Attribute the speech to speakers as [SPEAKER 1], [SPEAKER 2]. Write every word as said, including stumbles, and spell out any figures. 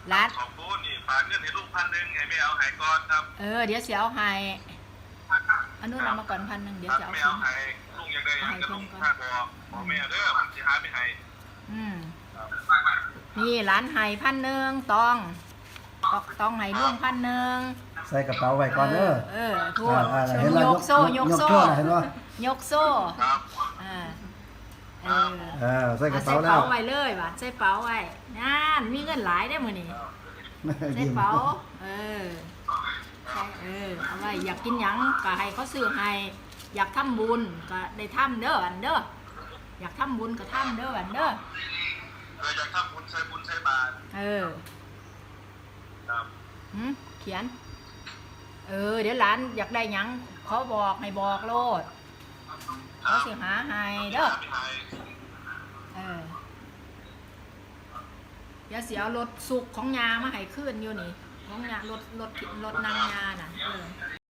[SPEAKER 1] ร้าน
[SPEAKER 2] ขอบคุณนี่ฝากเงินให้ลูกพันหนึ่งให้ไม่เอาหายก่อนครับ
[SPEAKER 1] เออเดี๋ยวเสียเอาให้อันนู้นเอามาก่อนพันหนึ่งเดี๋ยวจะเอา
[SPEAKER 2] ไม่
[SPEAKER 1] คื
[SPEAKER 2] เอา
[SPEAKER 1] น
[SPEAKER 2] หายลุงยังได้ยังจะลุงค่าบอกบอกแม่เด้อผมจะหาไปให้
[SPEAKER 1] อืมนี่ร้านไห้พันหนึ่งตองต้องไห้ร่วงพันหนึ่ง
[SPEAKER 3] ใส่กระเป๋าไว้ก่อนเด้อ
[SPEAKER 1] เออทั่ว
[SPEAKER 3] อ่าๆเห็น
[SPEAKER 1] ย
[SPEAKER 3] แล้ว
[SPEAKER 1] กโซ่ยกโซ่
[SPEAKER 3] ยกโซ่น่ะเห็นบ่
[SPEAKER 1] ยกโซ่
[SPEAKER 2] ครับ
[SPEAKER 1] อ่าเออ
[SPEAKER 3] เออใส่กระ
[SPEAKER 1] ใส่
[SPEAKER 3] เป๋าแล้
[SPEAKER 1] เป๋าว ไว้เลยว่ะใส่เป๋าไว้นั่นมีเงินหลายได้อมื้อนี้ใส่
[SPEAKER 3] ยิ้ม
[SPEAKER 1] เป๋าเออใส่เออเอาไว้อยากกินหยังก็ให้เขาซื้อให้อยากทำบุญก็ได้ทำเด้ออันเด้ออยากทำบุญก็ทำเด้ออันเด้อ
[SPEAKER 2] เอออยากทำบุญใช้บุญใช้บาตร
[SPEAKER 1] เออ
[SPEAKER 2] ครับ
[SPEAKER 1] หืมเขียน เออ เดี๋ยวหลานอยากได้หยังเขาบอกให้บอกโลดเขาสิหาให้เด้อ
[SPEAKER 2] หาไปให้
[SPEAKER 1] เออเดี๋ยวเสียรถสุกของยามาให้ขึ้นอยู่นี่ของยารถรถรถนางยาน่ะเออ